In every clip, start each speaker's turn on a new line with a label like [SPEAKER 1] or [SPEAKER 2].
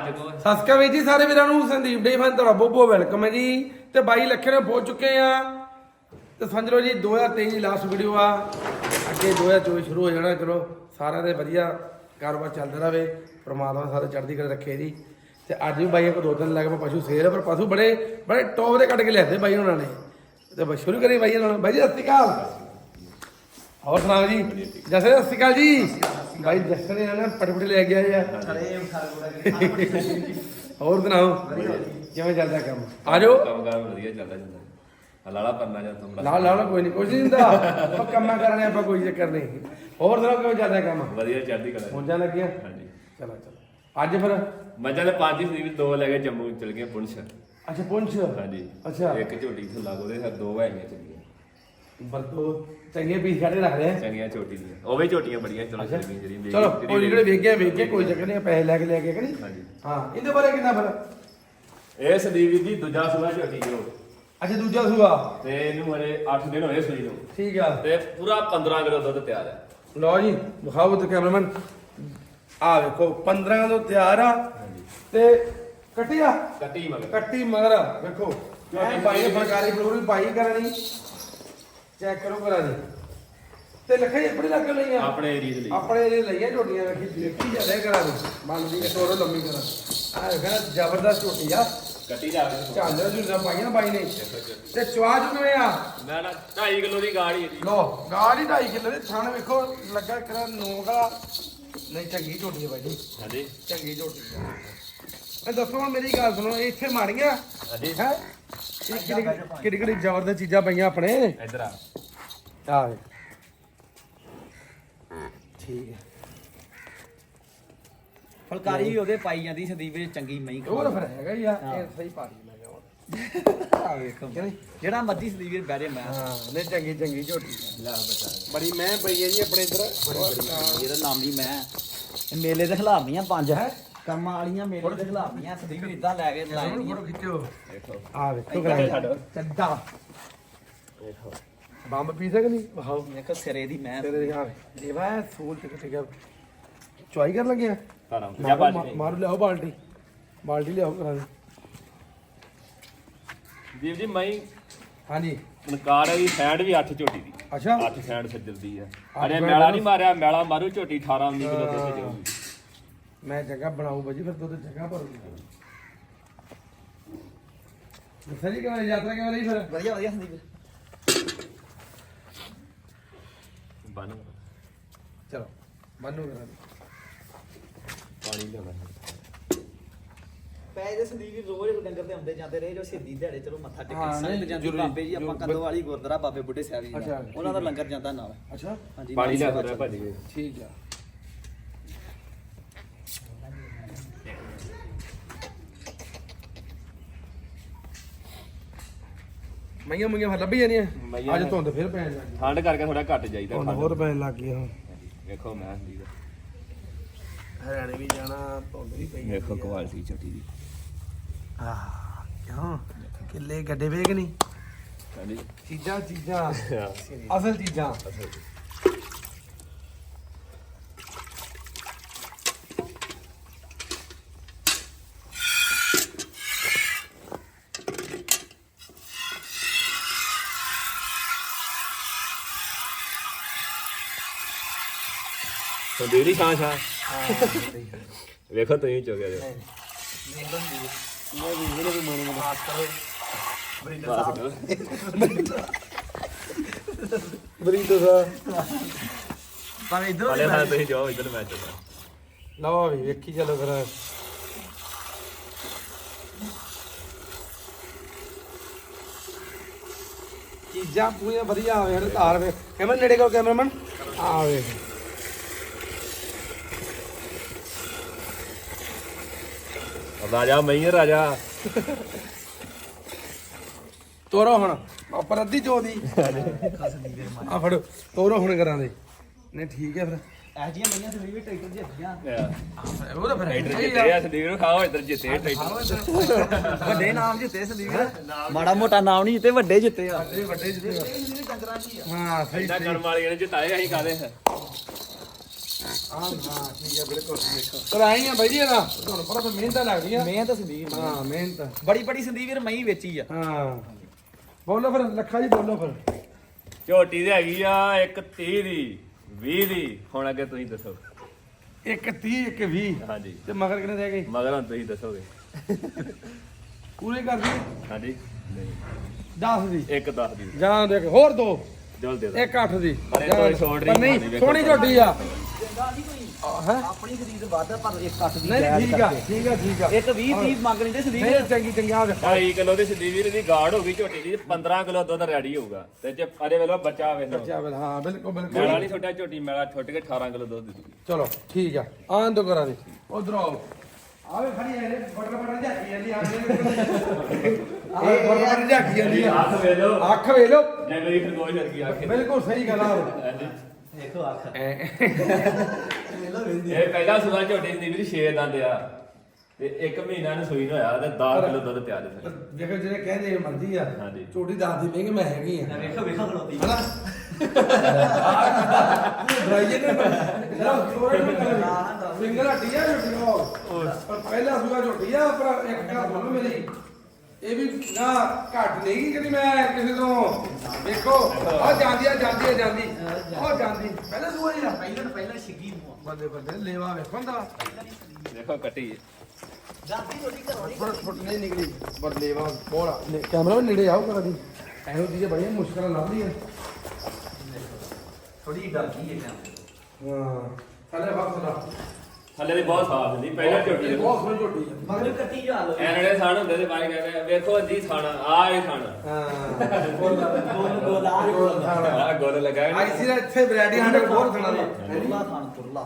[SPEAKER 1] ਸਾਡੇ ਕੋਲ
[SPEAKER 2] ਸਤਿ ਸ਼੍ਰੀ ਅਕਾਲ ਜੀ ਸਾਰੇ ਵੀਰਾਂ ਨੂੰ ਸੰਦੀਪ ਡੇ ਫਨ ਤੁਹਾਡਾ ਬਹੁਤ ਬਹੁਤ ਵੈਲਕਮ ਹੈ ਜੀ ਤੇ 22 ਲੱਖ ਨੇ ਪਹੁੰਚ ਚੁੱਕੇ ਆ ਤੇ ਸਮਝ ਲਓ ਜੀ 2023 ਦੀ ਲਾਸਟ ਵੀਡੀਓ ਆ ਅੱਗੇ 2024 ਸ਼ੁਰੂ ਹੋ ਜਾਣਾ ਚਲੋ ਸਾਰਿਆਂ ਦੇ ਵਧੀਆ ਕਾਰੋਬਾਰ ਚੱਲਦਾ ਰਹੇ ਪ੍ਰਮਾਤਮਾ ਸਾਰੇ ਚੜ੍ਹਦੀ ਕਲਾ ਰੱਖੇ ਜੀ ਤੇ ਅੱਜ ਵੀ ਬਾਈਆਂ ਕੋ 2 ਦਿਨ ਲੱਗ ਪਏ ਪਸ਼ੂ ਸੇਲ ਪਰ ਪਸ਼ੂ ਬੜੇ ਟੌਪ ਦੇ ਕੱਢ ਕੇ ਲਿਆਦੇ ਬਾਈ ਉਹਨਾਂ ਨੇ ਤੇ ਬਸ ਸ਼ੁਰੂ ਕਰੀਏ ਬਾਈ ਨਾਲ ਬਾਈ ਜੀ ਸਤਿ ਸ਼੍ਰੀ ਅਕਾਲ ਹੋਰ ਸੁਣਾਓ ਜੀ ਜੈਸੇ ਸਤਿ ਸ਼੍ਰੀ ਅਕਾਲ ਜੀ ਬਾਈ ਜੱਸਣ ਨੇ ਨਾ ਪਟਪਟ ਲੈ ਗਿਆ ਯਾਰ ਹੋਰ ਸੁਣਾਓ ਕਿਵੇਂ ਚੱਲਦਾ ਕੰਮ ਆ ਜਾਓ
[SPEAKER 1] ਕੰਮ ਕਾਰ ਵਧੀਆ ਚੱਲਦਾ ਜਾਂਦਾ ਲਾਲਾ ਪੰਨਾ ਜਾਂ ਤੁਮ
[SPEAKER 2] ਲਾ ਕੋਈ ਨਹੀਂ ਕੁਝ ਨਹੀਂ ਹੁੰਦਾ ਆਪਾਂ ਕੰਮਾਂ ਕਰਨੇ ਆਪਾਂ ਕੋਈ ਚੱਕਰ ਨਹੀਂ ਹੋਰ ਸੁਣਾਓ ਕਿਵੇਂ ਚੱਲਦਾ ਕੰਮ
[SPEAKER 1] ਵਧੀਆ ਚੜ੍ਹਦੀ ਕਲਾ
[SPEAKER 2] ਮੌਜਾਂ ਲੱਗੀਆਂ
[SPEAKER 1] ਹਾਂਜੀ
[SPEAKER 2] ਚਲੋ ਅੱਜ ਫਿਰ
[SPEAKER 1] ਮੱਝਾਂ ਦੇ 5 ਸੀ 2 ਲੈ ਕੇ ਜੰਮੂ ਚਲ ਗਏ ਪੁੰਛ
[SPEAKER 2] ਅੱਛਾ ਪੁੰਛ
[SPEAKER 1] ਹਾਂਜੀ
[SPEAKER 2] ਅੱਛਾ
[SPEAKER 1] ਇੱਕ ਝੋਟੀ ਤੋਂ ਲੱਗ ਉਹਦੇ 2 ਹੈਗੀਆਂ ਚੰਗੀਆਂ
[SPEAKER 2] ਬਰਤੋ ਚੰਗੇ ਪੀਸ ਕੱਢ ਰੱਖ ਰਹੇ
[SPEAKER 1] ਚੰਗੀਆਂ ਝੋਟੀ ਦੀਆਂ ਉਹ ਵੀ ਝੋਟੀਆਂ ਬੜੀਆਂ ਚਲੋ ਚੰਗੀਆਂ ਜਿਹੜੀ
[SPEAKER 2] ਚਲੋ ਕੋਈ ਜਿਹੜੇ ਵੇਖ ਕੇ ਕੋਈ ਚੱਕਰ ਨਹੀਂ ਪੈਸੇ ਲੈ ਕੇ ਕਿ ਨਹੀਂ
[SPEAKER 1] ਹਾਂਜੀ
[SPEAKER 2] ਹਾਂ ਇਹਦੇ ਬਾਰੇ ਕਿੰਨਾ ਫਿਰ
[SPEAKER 1] ਇਹ ਸੰਦੀਪ ਜੀ ਦੂਜਾ ਸੂਆ ਝੋਟੀ ਜੋ
[SPEAKER 2] ਅੱਛਾ ਦੂਜਾ ਸੂਆ
[SPEAKER 1] ਤੇ ਇਹਨੂੰ ਹਰੇ 8 ਦਿਨ ਹੋਏ ਸੂਈ ਨੂੰ
[SPEAKER 2] ਠੀਕ ਆ
[SPEAKER 1] ਤੇ ਪੂਰਾ 15 ਕਿਲੋ ਦੁੱਧ ਤਿਆਰ ਹੈ
[SPEAKER 2] ਲਓ ਜੀ ਵਿਖਾਓ ਤੇ ਕੈਮਰਾਮੈਨ ਆ ਵੇਖੋ 15 ਤੋਂ ਤਿਆਰ ਆ ਤੇ ਕੱਟਿਆ
[SPEAKER 1] ਕੱਟੀ ਮਗਰ
[SPEAKER 2] ਕੱਟੀ ਮਗਰ ਵੇਖੋ ਇਹ ਭਾਈ ਨੇ ਫਰਕਾਰੀ ਫਲੋਰੀ ਪਾਈ ਕਰਨੀ ਚੈੱਕ ਕਰੋ ਕਰਾ ਦੀ ਤੇ ਲਿਖਾਈ ਆਪਣੇ ਲੱਗ ਲਈ ਆ
[SPEAKER 1] ਆਪਣੇ ਏਰੀਆ ਦੇ ਲਈ
[SPEAKER 2] ਆਪਣੇ ਇਹ ਲਈਆਂ ਝੋਟੀਆਂ ਵੇਖੀ ਜਾਂਦੇ ਕਰਾ ਦੀ ਮੰਨਦੀ ਕਿ ਤੋਰੋ ਲੰਮੀ ਕਰਾ ਆ ਵੇਖਣਾ ਜ਼ਬਰਦਸਤ ਝੋਟੀ ਆ
[SPEAKER 1] ਕੱਟੀ ਜਾ ਕੇ
[SPEAKER 2] ਝਾਂਜਰ ਝੁੰਜਾ ਪਾਈਆਂ ਬਾਈ ਨੇ ਤੇ ਚਵਾ ਕਿਵੇਂ ਆ
[SPEAKER 1] ਨਾ 2.5 ਕਿਲੋ ਦੀ ਗਾੜੀ ਹੈ ਜੀ
[SPEAKER 2] ਲੋ ਗਾੜੀ 2.5 ਕਿਲੋ ਦੇ ਥਣ ਵੇਖੋ ਲੱਗਾ ਕਰਾ ਨੋਗਾ ਨਹੀਂ ਚੰਗੀ ਝੋਟੀ ਹੈ ਬਾਈ ਜੀ
[SPEAKER 1] ਹਾਂਜੀ
[SPEAKER 2] ਚੰਗੀ ਝੋਟੀ ਹੈ ਇਹ ਦੱਸੋ ਹੁਣ ਮੇਰੀ ਗੱਲ ਸੁਣੋ ਇੱਥੇ ਮਾਰੀਆਂ
[SPEAKER 1] ਹਾਂਜੀ
[SPEAKER 2] ਹੈ ਇਹ ਕਿਹੜੀ ਜ਼ਬਰਦਸਤ ਚੀਜ਼ਾਂ ਪਈਆਂ ਆਪਣੇ
[SPEAKER 1] ਇੱਧਰ ਆ
[SPEAKER 2] ਆ ਵੇ ਠੀਕ ਹੈ
[SPEAKER 3] ਫਲਕਾਰੀ ਵੀ ਉਹਦੇ ਪਾਈ ਜਾਂਦੀ ਸੰਦੀਪ ਵਿੱਚ ਚੰਗੀ ਮਹੀਂ
[SPEAKER 2] ਉਹ ਤਾਂ ਫਿਰ ਹੈਗਾ ਹੀ ਆ ਇਹ ਸਹੀ ਪਾ ਲਈ ਮੈਂ ਕਿਹਾ
[SPEAKER 3] ਆ ਵੇਖੋ
[SPEAKER 2] ਕਿ ਨਹੀਂ
[SPEAKER 3] ਜਿਹੜਾ ਮਰਜੀ ਸੰਦੀਪ ਵਿੱਚ ਬਹਿ ਜੇ ਮੈਂ
[SPEAKER 2] ਹਾਂ ਨਹੀਂ ਚੰਗੀ ਝੋਟੀ
[SPEAKER 3] ਲੈ ਬਚਾ
[SPEAKER 2] ਬੜੀ ਮੈਂ ਪਈ ਹੈ ਜੀ ਆਪਣੇ ਇੱਧਰ
[SPEAKER 3] ਇਹਦਾ ਨਾਮ ਹੀ ਮੈਂ ਇਹ ਮੇਲੇ ਦੇ ਖਿਲਾਫੀਆਂ 5 ਹੈ ਕੰਮਾਂ ਵਾਲੀਆਂ ਮੇਲੇ ਦੇ ਖਿਲਾਫੀਆਂ ਸੰਦੀਪ ਵੀ ਇਦਾਂ ਲੈ ਕੇ ਲਾਏ
[SPEAKER 2] ਫੋਟੋ ਖਿੱਚੋ
[SPEAKER 1] ਦੇਖੋ
[SPEAKER 2] ਆ ਵੇਖੋ ਕਰਾ
[SPEAKER 3] ਚੱਡਾ
[SPEAKER 1] ਦੇਖੋ
[SPEAKER 2] ਬੰਬ ਪੀ ਸਕਦੀ ਵਾਓ
[SPEAKER 3] ਵੇਖੋ ਸਿਰੇ ਦੀ ਮੈਂ
[SPEAKER 2] ਤੇਰੇ ਆ ਦੇਵਾ ਸੂਲ ਤੇ ਕਿੱਥੇ ਗਿਆ ਚੁਆਈ ਕਰਨ ਲੱਗੇ ਆ
[SPEAKER 1] ਤਾਰਾਂ ਜਾ ਬਾਜ
[SPEAKER 2] ਮਾਰੂ ਲਿਆਓ ਬਾਲਟੀ ਲਿਆਓ ਕਰਾ ਦੇ
[SPEAKER 1] ਦੀਪ ਜੀ ਮੈਂ
[SPEAKER 2] ਹਾਂਜੀ
[SPEAKER 1] ਨਕਾਰ ਦੀ ਸਾਈਡ ਵੀ 8 ਝੋਟੀ ਦੀ
[SPEAKER 2] ਅੱਛਾ
[SPEAKER 1] 8 ਸਾਈਡ ਸੱਜਰ ਦੀ ਹੈ ਅਰੇ ਮੈਲਾ ਨਹੀਂ ਮਾਰਿਆ ਮੈਲਾ ਮਾਰੂ ਝੋਟੀ 18 19 ਕਿਲੋ ਦੁੱਧ ਦੇਊਗੀ
[SPEAKER 2] ਮੈਂ ਜਗ੍ਹਾ ਬਣਾਉ ਬਾਜੀ ਫਿਰ ਦੁੱਧ ਜਗ੍ਹਾ ਭਰੂਗੀ ਸਹੀ ਕਿਵੇਂ ਯਾਤਰਾ ਕਿਵੇਂ ਰਹੀ ਫਿਰ
[SPEAKER 3] ਵਧੀਆ ਵਧੀਆ ਸੰਦੀਪ
[SPEAKER 1] ਬਨ
[SPEAKER 2] ਚਲੋ ਬੰਨੂ ਕਰਾ ਦੇ
[SPEAKER 1] ਪਾਣੀ ਲਿਆਉਣਾ
[SPEAKER 3] ਪੈ ਦੇ ਸੰਦੀਪ ਰੋਜ਼ ਡੰਗਰ ਤੇ ਆਉਂਦੇ ਜਾਂਦੇ ਰਹੇ ਜੋ ਸਿੱਧੀ ਦਿਹਾੜੇ ਚਲੋ ਮੱਥਾ
[SPEAKER 2] ਹਾਂ,
[SPEAKER 3] ਟੇਕ
[SPEAKER 2] ਨਹੀਂ,
[SPEAKER 3] ਸੰਗ ਜਾਂਦੀ
[SPEAKER 2] ਜ਼ਰੂਰੀ,
[SPEAKER 3] ਬਾਬੇ ਜੀ ਆਪਾਂ ਕੰਦੋ ਵਾਲੀ ਗੁਰਦੁਆਰਾ ਬਾਬੇ ਬੁੱਢੇ ਸਾਹਿਬ ਜੀ
[SPEAKER 2] ਅੱਛਾ,
[SPEAKER 3] ਦਾ ਉਹਨਾਂ ਦਾ ਲੰਗਰ ਜਾਂਦਾ ਨਾਲ
[SPEAKER 2] ਅੱਛਾ
[SPEAKER 3] ਹਾਂਜੀ
[SPEAKER 1] ਪਾਣੀ ਲਿਆ
[SPEAKER 3] ਨਾਲ
[SPEAKER 1] ਰਿਹਾ ਭਾਜੀ
[SPEAKER 2] ਠੀਕ ਆ ਮਈਆਂ ਫਿਰ ਲੱਭੀ ਜਾਂਦੀਆਂ
[SPEAKER 1] ਮਈਆਂ
[SPEAKER 2] ਅੱਜ ਧੁੰਦ ਫਿਰ ਪੈਣ ਲੱਗ ਗਈ
[SPEAKER 1] ਠੰਡ ਕਰਕੇ ਥੋੜਾ ਘੱਟ ਜਾਈਦਾ
[SPEAKER 2] ਧੁੰਦ ਹੋਰ ਪੈਣ ਲੱਗ ਗਈ ਹੁਣ
[SPEAKER 1] ਵੇਖੋ ਮੈਂ ਦੀ
[SPEAKER 2] ਹਰਿਆਣੇ ਵੀ ਜਾਣਾ ਧੁੰਦ ਵੀ ਪਈ
[SPEAKER 1] ਵੇਖੋ ਕੁਆਲਿਟੀ ਝੋਟੀ ਦੀ
[SPEAKER 2] ਆਹ ਕਿਉਂ ਕਿੱਲੇ ਗੱਡੇ ਵੇਖ ਨਹੀਂ
[SPEAKER 1] ਹਾਂਜੀ
[SPEAKER 2] ਚੀਜ਼ਾਂ ਅਸਲ ਚੀਜ਼ਾਂ
[SPEAKER 1] तो देरी छां छां ਵੇਖੋ ਤੁਸੀਂ ਚੋਗਿਆ ਜੇ
[SPEAKER 2] ਮੈਂ ਵੀ ਇਹਨੇ ਵੀ ਮਨ ਮਾਸ ਕਰੋ ਬਰੀਦੋ ਸਾਹਿਬ
[SPEAKER 3] ਪਰ ਇਧਰ
[SPEAKER 1] ਵਾਲੇ ਹਾਂ ਤੁਸੀਂ ਜਾਓ ਇੱਧਰ ਮੈਂ ਚੱਲਾਂ
[SPEAKER 2] ਲਓ ਵੀ ਵੇਖੀ ਚਲੋ ਫਿਰ ਚੀਜ਼ਾਂ ਪੂਰੀਆਂ ਵਧੀਆ ਆਵੇ ਹਰ ਧਾਰ ਵੇ ਕੈਮਰਾ ਨੇੜੇ ਕਰੋ ਕੈਮਰਾਮੈਨ ਆਵੇ
[SPEAKER 1] ਰਾਜਾ ਮਈਰ ਰਾਜਾ
[SPEAKER 2] ਤੋਰੋ ਹੁਣ ਉੱਪਰ ਅੱਧੀ ਚੋ ਦੀ ਆ ਫੜੋ ਤੋਰੋ ਹੁਣ ਕਰਾਂ ਦੇ ਨਹੀਂ ਠੀਕ ਹੈ ਫਿਰ
[SPEAKER 3] ਇਹ ਜੀਆਂ ਮਈਆਂ ਸੰਦੀਪ ਵੀ ਟਰੈਕਟਰ ਜਿੱਤੀਆਂ
[SPEAKER 2] ਉਹ ਤਾਂ ਫਿਰ
[SPEAKER 1] ਟਰੈਕਟਰ ਜਿੱਤੇ ਆ ਸੰਦੀਪ ਨੂੰ ਖਾਓ ਇੱਧਰ ਜਿੱਤੇ ਟਰੈਕਟਰ
[SPEAKER 3] ਵੱਡੇ ਨਾਮ ਜਿੱਤੇ ਸੰਦੀਪ ਮਾੜਾ ਮੋਟਾ ਨਾਮ ਨਹੀਂ ਜਿੱਤੇ ਵੱਡੇ ਜਿੱਤੇ ਆ
[SPEAKER 2] ਵੱਡੇ ਜਿੱਤੇ
[SPEAKER 3] ਡੰਗਰਾਂ ਦੀ ਆ
[SPEAKER 2] ਹਾਂ ਸਹੀ
[SPEAKER 1] ਇੰਨਾ ਕਰਨ ਵਾਲੀਆਂ ਨੇ ਜਿਤਾਏ ਅਸੀਂ ਕਾਦੇ
[SPEAKER 2] ਹਾਂ ਠੀਕ ਹੈ ਬਿਲਕੁਲ ਪਰ ਆਈ ਆ ਬਾਈ ਜੀ ਇਹਦਾ ਤੁਹਾਨੂੰ ਪਤਾ ਫਿਰ ਮਿਹਨਤਾਂ ਲੱਗਦੀਆਂ
[SPEAKER 3] ਮਿਹਨਤ ਸੰਦੀਪ ਵੀਰ,
[SPEAKER 2] ਹਾਂ ਮਿਹਨਤ
[SPEAKER 3] ਬੜੀ ਸੰਦੀਪ ਵੀਰ ਮਈ ਵੇਚੀ ਆ।
[SPEAKER 2] ਹਾਂ ਬੋਲੋ ਫਿਰ ਲੱਖਾ ਜੀ ਬੋਲੋ ਫਿਰ
[SPEAKER 1] ਝੋਟੀ ਦੀ ਹੈਗੀ ਆ ਇੱਕ 30 ਦੀ 20 ਦੀ ਹੁਣ ਅੱਗੇ ਤੁਸੀਂ ਦੱਸੋ।
[SPEAKER 2] ਇੱਕ 30 ਇੱਕ 20
[SPEAKER 1] ਹਾਂਜੀ
[SPEAKER 2] ਤੇ ਮਗਰ ਕਿੰਨੇ ਰਹਿ ਗਏ
[SPEAKER 1] ਮਗਰ ਹੁਣ ਤੁਸੀਂ ਦੱਸੋਗੇ।
[SPEAKER 2] ਪੂਰੇ ਕਰ ਦੀ
[SPEAKER 1] ਹਾਂਜੀ ਨਹੀਂ
[SPEAKER 2] 10 ਦੀ
[SPEAKER 1] ਇੱਕ 10 ਦੀ
[SPEAKER 2] ਜਾਂ ਦੇਖ ਹੋਰ ਦੋ
[SPEAKER 1] ਜਲ ਦੇ ਦੋ
[SPEAKER 2] ਇੱਕ 8 ਦੀ
[SPEAKER 1] ਪਰ ਇਹ ਤੋਂ ਛੋੜ
[SPEAKER 2] ਪਰ
[SPEAKER 1] ਨਹੀਂ
[SPEAKER 2] ਨਹੀਂ ਸੋਹਣੀ ਝੋਟੀ ਆ
[SPEAKER 3] ਚੰਗਾ ਨਹੀਂ ਕੋਈ
[SPEAKER 2] ਹੈ
[SPEAKER 3] ਆਪਣੀ ਖਰੀਦ ਵੱਧ ਪਰ ਇੱਕ ਕੱਟ ਦੀ
[SPEAKER 2] ਨਹੀਂ
[SPEAKER 3] ਜਾਇਜ਼
[SPEAKER 2] ਠੀਕ ਆ
[SPEAKER 3] ਕਰਕੇ।
[SPEAKER 2] ਠੀਕ ਆ ਠੀਕ ਆ
[SPEAKER 3] ਇੱਕ 20 30 ਮੰਗ ਲੈਂਦੇ ਸੰਦੀਪ
[SPEAKER 2] ਨਹੀਂ ਚੰਗੀ ਚੰਗੀ ਆ ਦੇਖ
[SPEAKER 1] 2.5 ਕਿਲੋ ਦੀ ਸਿੱਧੀ ਵੀਰ ਦੀ ਗਾੜ ਹੋ ਗਈ ਝੋਟੀ ਦੀ 15 ਕਿਲੋ ਦੁੱਧ ਰੈਡੀ ਹੋਊਗਾ ਤੇ ਜੇ ਅਰੇ ਵੇਲੋ ਬੱਚਾ ਆਵੇ ਨਾ
[SPEAKER 2] ਬੱਚਾ ਵੇਲ ਹਾਂ ਬਿਲਕੁਲ
[SPEAKER 1] ਮੇਲਾ
[SPEAKER 2] ਬਿਲਕੁਲ
[SPEAKER 1] ਨਹੀਂ ਛੋਟਾ ਝੋਟੀ ਮੇਲਾ ਛੁੱਟ ਕੇ 18 ਕਿਲੋ ਦੁੱਧ ਦੇ ਦੂਗੀ।
[SPEAKER 2] ਚਲੋ ਠੀਕ ਆ ਆਂ ਤੋਂ ਕਰਾ ਦੇ ਉਧਰ ਆਓ ਆਵੇ ਖੜੀ ਐ ਬਟਰ ਝਾਕੀ ਜਾਂਦੀ ਆਵੇ ਬਟਰ ਝਾਕੀ ਜਾਂਦੀ ਆ
[SPEAKER 1] ਹੱਥ ਵੇਲੋ
[SPEAKER 2] ਅੱਖ ਵੇ ਲੋ
[SPEAKER 1] ਜੰਗਲੀ ਖਰਗੋਸ਼ ਵਰਗੀ ਅੱਖ
[SPEAKER 2] ਬਿਲਕੁਲ ਸਹੀ ਗੱਲ ਆ
[SPEAKER 3] ਦੇਖੋ ਅੱਖ
[SPEAKER 1] ਇਹ ਪਹਿਲਾ ਸੂਆ ਝੋਟੀ ਦੀ ਵੀਰ 6 ਦੰਦ ਆ ਤੇ 1 ਮਹੀਨਾ ਨੂੰ ਸੂਈ ਨੂੰ ਹੋਇਆ ਤੇ 10 ਕਿਲੋ ਦੁੱਧ ਤਿਆਰ ਹੈ।
[SPEAKER 2] ਦੇਖੋ ਜਿਹੜੇ ਕਹਿੰਦੇ ਮਰਜ਼ੀ ਆ
[SPEAKER 1] ਹਾਂਜੀ।
[SPEAKER 2] ਝੋਟੀ ਦੱਸਦੀ ਮਹਿੰਗੀ ਮੈਂ ਹੈਗੀ ਆ
[SPEAKER 3] ਵੇਖੋ ਖਲੋਤੀ
[SPEAKER 2] ਹਨਾ ਡਰਾਈਏ ਨੇ ਫਿੰਗਰ ਹੱਟੀ ਆ ਝੋਟੀ ਉਹ ਪਰ ਪਹਿਲਾ ਸੂਆ ਝੋਟੀ ਆ ਪਰ ਇੱਕ ਗੱਲ ਸੁਣੋ ਮੇਰੀ ਇਹ ਵੀ ਨਾ ਘੱਟ ਨਹੀਂ ਗੀ ਕਿ ਮੈਂ ਕਿਸੇ ਤੋਂ ਦੇਖੋ ਆ ਜਾਂਦੀ ਆ ਜਾਂਦੀ ਪਹਿਲਾਂ ਸੂਆ ਹੀ ਆ
[SPEAKER 3] ਪਹਿਲਾਂ ਛਿੱਗੀ ਨੂੰ
[SPEAKER 2] ਬੰਦੇ ਬੰਦੇ ਲੇਵਾ ਵੇਖੋ ਦਾ
[SPEAKER 1] ਦੇਖੋ ਕੱਟੀ
[SPEAKER 3] ਜਾਂਦੀ ਰੋਟੀ ਘਰੋਂ ਨਹੀਂ
[SPEAKER 2] ਫੁੱਟ ਫੁੱਟ ਨਹੀਂ ਨਿਕਲੀ ਪਰ ਲੇਵਾ ਬੋਲਾ ਕੈਮਰਾ ਨੇੜੇ ਆਓ ਕਰਾ ਦੀ ਇਹੋ ਚੀਜ਼ਾਂ ਬੜੀਆਂ ਮੁਸ਼ਕਲਾਂ ਲੱਭਦੀਆਂ
[SPEAKER 3] ਥੋੜੀ ਡਰਦੀ ਹੈ ਜਾਂ
[SPEAKER 2] ਹਾਂ ਥੱਲੇ ਵਕਤ ਦਾ
[SPEAKER 1] ਥੱਲੇ ਦੀ ਬਹੁਤ ਸਾਫ ਹੁੰਦੀ ਪਹਿਲਾਂ ਝੋਟੀ ਦੇ
[SPEAKER 2] ਬਹੁਤ ਸੋਹਣੀ ਝੋਟੀ ਆ
[SPEAKER 3] ਮਗਰ ਕੱਟੀ ਜਾ ਲੋ
[SPEAKER 1] ਐਨੜੇ ਸਾਣ ਹੁੰਦੇ ਤੇ ਬਾਈ ਕਹਿੰਦੇ ਵੇਖੋ ਅੱਧੀ ਸਾਣ ਆ ਇਹ ਸਾਣ
[SPEAKER 2] ਹਾਂ
[SPEAKER 3] ਗੋਲ
[SPEAKER 1] ਆ ਗੋਲ ਲਗਾਇਆ ਨਾ।
[SPEAKER 2] ਆਈਸੀ ਦਾ ਇੱਥੇ ਵੈਰਾਈਟੀ ਸਾਡੇ ਬਹੁਤ ਖਾਣਾ ਦਾ
[SPEAKER 3] ਤੁਰਲਾ ਖਾਨ ਤੁਰਲਾ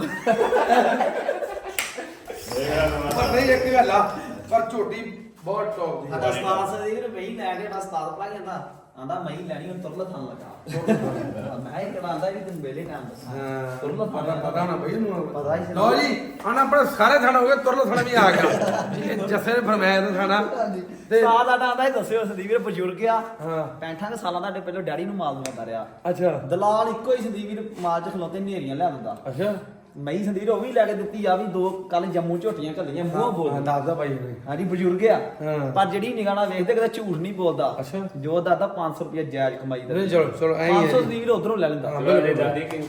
[SPEAKER 2] ਪਰ ਨਹੀਂ ਇੱਕ ਗੱਲ ਆ ਪਰ ਝੋਟੀ ਬਹੁਤ ਟੌਪ ਦੀ
[SPEAKER 3] ਸਾਡਾ ਉਸਤਾਦ ਸਦੀਕ ਨੇ ਮਹੀਂ ਲੈ ਕੇ ਸਾਡਾ ਉਸਤਾਦ ਭਲਾ ਕਹਿੰਦਾ ਆਂਦਾ ਮਹੀਂ ਲੈਣੀ ਹੁਣ ਤੁਰਲਾ ਖਾਨ ਲੱਗਾ ਮੈਂ ਇਹ ਕਰਾਂਦਾ ਵੀ ਤੈਨੂੰ ਵੇਲੇ ਟਾਈਮ ਦੱਸਾਂ
[SPEAKER 2] ਹਾਂ
[SPEAKER 3] ਤੁਰਲਾ
[SPEAKER 2] ਪਤਾ ਨਾ ਬਈ ਨੂੰ
[SPEAKER 3] ਪਤਾ ਹੀ ਸੀ।
[SPEAKER 2] ਲਓ ਜੀ ਆਣਾ ਆਪਣਾ ਸਾਰੇ ਥਾਣਾ ਹੋ ਗਿਆ ਤੁਰਲ ਥਾਣਾ ਵੀ ਆ ਗਿਆ ਇਹ ਜੱਸੇ ਨੇ ਫਰਮਾਇਆ ਤਾਂ ਥਾਣਾ ਤੇ
[SPEAKER 3] ਉਸਤਾਦ ਸਾਡਾ ਆਂਦਾ ਇਹ ਦੱਸਿਓ ਸਦੀਕ ਵੀਰ ਬਜ਼ੁਰਗ ਆ
[SPEAKER 2] ਹਾਂ
[SPEAKER 3] 65 ਸਾਲਾਂ ਦਾ ਸਾਡੇ ਪਹਿਲਾਂ ਡੈਡੀ ਨੂੰ ਮਾਲ ਦਵਾਉਂਦਾ ਰਿਹਾ
[SPEAKER 2] ਅੱਛਾ
[SPEAKER 3] ਦਲਾਲ ਇੱਕੋ ਹੀ ਸੰਦੀਪ ਵੀਰ ਮਾਲ ਚ ਖਲੋਤੇ ਨੇਰੀਆਂ ਲਿਆ ਦਿੰਦਾ
[SPEAKER 2] ਅੱਛਾ
[SPEAKER 3] ਮਈ ਸੰਦੀਪ ਉਹ ਵੀ ਲੈ ਕੇ ਦਿੱਤੀ ਆ ਵੀ ਦੋ ਕੱਲ ਜੰਮੂ ਝੋਟੀਆਂ ਘੱਲੀਆਂ ਮੂੰਹ ਬੋਲ
[SPEAKER 2] ਹਾਂ ਦੱਸਦਾ ਭਾਈ ਨੇ
[SPEAKER 3] ਹਾਂਜੀ ਬਜ਼ੁਰਗ ਆ
[SPEAKER 2] ਹਾਂ।
[SPEAKER 3] ਪਰ ਜਿਹੜੀ ਨਿਗਾਹ ਵੇਖਦੇ ਕਦੇ ਝੂਠ ਨਹੀਂ ਬੋਲਦਾ
[SPEAKER 2] ਅੱਛਾ।
[SPEAKER 3] ਜੋ ਦਾਦਾ 500 ਰੁਪਏ ਜਾਇਜ਼ ਕਮਾਈ ਦਾ
[SPEAKER 2] ਨਹੀਂ ਚਲੋ ਚਲੋ ਐਂ ਹੀ
[SPEAKER 3] 500
[SPEAKER 2] ਹੈ
[SPEAKER 3] ਸੰਦੀਪ ਵੀਰ ਉਧਰੋਂ ਲੈ ਲੈਂਦਾ
[SPEAKER 2] ਹਾਂ।
[SPEAKER 1] ਚਲੋ ਇਹ ਦਾਦੀ ਕਿੰਗ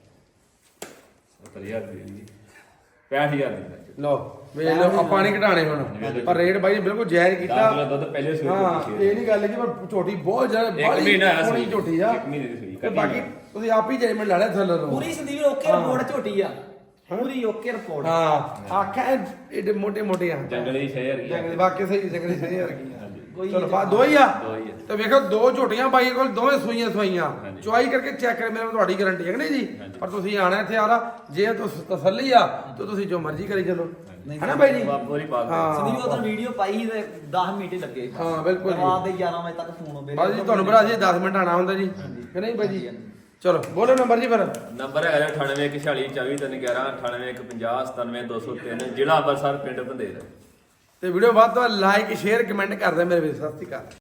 [SPEAKER 1] 70000 ਦੀ 65000 ਦੀ
[SPEAKER 2] ਲਓ ਵੇਖ ਲਓ ਆਪਾਂ ਨਹੀਂ ਘਟਾਣੇ ਹੁਣ ਪਰ ਰੇਟ ਬਾਈ ਬਿਲਕੁਲ ਜਾਇਜ਼ ਕੀਤਾ
[SPEAKER 1] 10 ਕਿਲੋ ਦੁੱਧ ਪਹਿਲੇ ਸੂਈ
[SPEAKER 2] ਹਾਂ
[SPEAKER 1] ਝੋਟੀ
[SPEAKER 2] ਇਹ ਨਹੀਂ ਗੱਲ ਕਿ ਪਰ ਝੋਟੀ ਬਹੁਤ ਜ਼ਿਆਦਾ
[SPEAKER 1] ਇੱਕ
[SPEAKER 2] ਬਾਹਲੀ
[SPEAKER 1] ਮਹੀਨਾ ਹੋਇਆ
[SPEAKER 2] ਸੋਹਣੀ
[SPEAKER 1] ਸੂਈ।
[SPEAKER 2] ਝੋਟੀ ਆ
[SPEAKER 1] ਇੱਕ ਮਹੀਨੇ ਦੀ ਸੂਈ,
[SPEAKER 2] ਤੇ
[SPEAKER 1] ਕੱਟੀ
[SPEAKER 2] ਬਾਕੀ
[SPEAKER 1] ਆ।
[SPEAKER 2] ਤੁਸੀਂ ਆਪ ਹੀ ਜਜਮੈਂਟ ਲਾ ਲਿਆ ਥੱਲੇ ਤੋਂ
[SPEAKER 3] ਪੂਰੀ ਸੰਦੀਪ ਵੀਰ ਓਕੇ ਰਿਪੋਰਟ ਝੋਟੀ ਆ ਪੂਰੀ ਓਕੇ ਰਿਪੋਰਟ
[SPEAKER 2] ਹਾਂ ਆਖਾਂ ਏਡੇ ਮੋਟੇ ਮੋਟੇ ਆ
[SPEAKER 1] ਜੰਗਲੀ 6000 ਦੀ
[SPEAKER 2] ਜੰਗਲੀ ਬਾਕੀ ਸਹੀ ਜੰਗਲੀ ਸਹੀ ਰੱਖੀ
[SPEAKER 3] ਕੋਈ
[SPEAKER 2] ਚਲੋ ਬਾ ਦੋ ਹੀ ਆ
[SPEAKER 1] ਦੋ ਹੀ ਆ।
[SPEAKER 2] ਤੇ ਵੇਖੋ ਦੋ ਝੋਟੀਆਂ ਬਾਈ ਕੋਲ ਦੋਵੇਂ ਸੂਈਆਂ ਸਵਾਈਆਂ
[SPEAKER 1] ਹਾਂਜੀ।
[SPEAKER 2] ਚੁਆਈ ਕਰਕੇ ਚੈੱਕ ਕਰ ਮੇਰੇ ਤੁਹਾਡੀ ਗਾਰੰਟੀ ਹੈ ਕਿ ਨਹੀਂ ਜੀ
[SPEAKER 1] ਹਾਂਜੀ।
[SPEAKER 2] ਪਰ ਤੁਸੀਂ ਆਣਾ ਇੱਥੇ ਆਰਾ ਜੇ ਤੁਸੀਂ ਤਸੱਲੀ ਆ ਤਾਂ ਤੁਸੀਂ ਜੋ ਮਰਜ਼ੀ ਕਰੀ ਚੱਲੋ
[SPEAKER 3] ਨਹੀਂ,
[SPEAKER 2] ਹੈਨਾ ਬਾਈ ਜੀ
[SPEAKER 1] ਪੂਰੀ ਪਾ ਦਿਓ।
[SPEAKER 2] ਹਾਂ।
[SPEAKER 3] ਸੰਦੀਪ ਉਧਰ ਵੀਡੀਓ ਪਾਈ ਸੀ ਤੇ 10 ਮਿੰਟ ਹੀ ਲੱਗੇ
[SPEAKER 2] ਹਾਂ, ਬਿਲਕੁਲ ਜੀ।
[SPEAKER 3] ਰਾਤ ਦੇ 11 ਵਜੇ ਤੱਕ ਫੋਨ ਆਉਂਦੇ
[SPEAKER 2] ਬਾਜੀ ਤੁਹਾਨੂੰ ਬੜਾ ਜੀ 10 ਮਿੰਟ ਆਣਾ ਹੁੰਦਾ ਜੀ ਕਿ ਨਹੀਂ ਬਾਈ ਜੀ ਚਲੋ ਬੋਲੋ ਨੰਬਰ ਜੀ ਫਿਰ
[SPEAKER 1] ਨੰਬਰ ਹੈਗਾ 9814242450 ਜ਼ਿਲ੍ਹਾ ਅੰਮ੍ਰਿਤਸਰ ਪਿੰਡ ਬੰਦੇਰ।
[SPEAKER 2] ਤੇ ਵੀਡੀਓ ਵੱਧ ਤੋਂ ਵੱਧ ਲਾਈਕ ਸ਼ੇਅਰ ਕਮੈਂਟ ਕਰਦੇ ਮੇਰੇ ਵੀਰ ਸਤਿ ਸ਼੍ਰੀ ਅਕਾਲ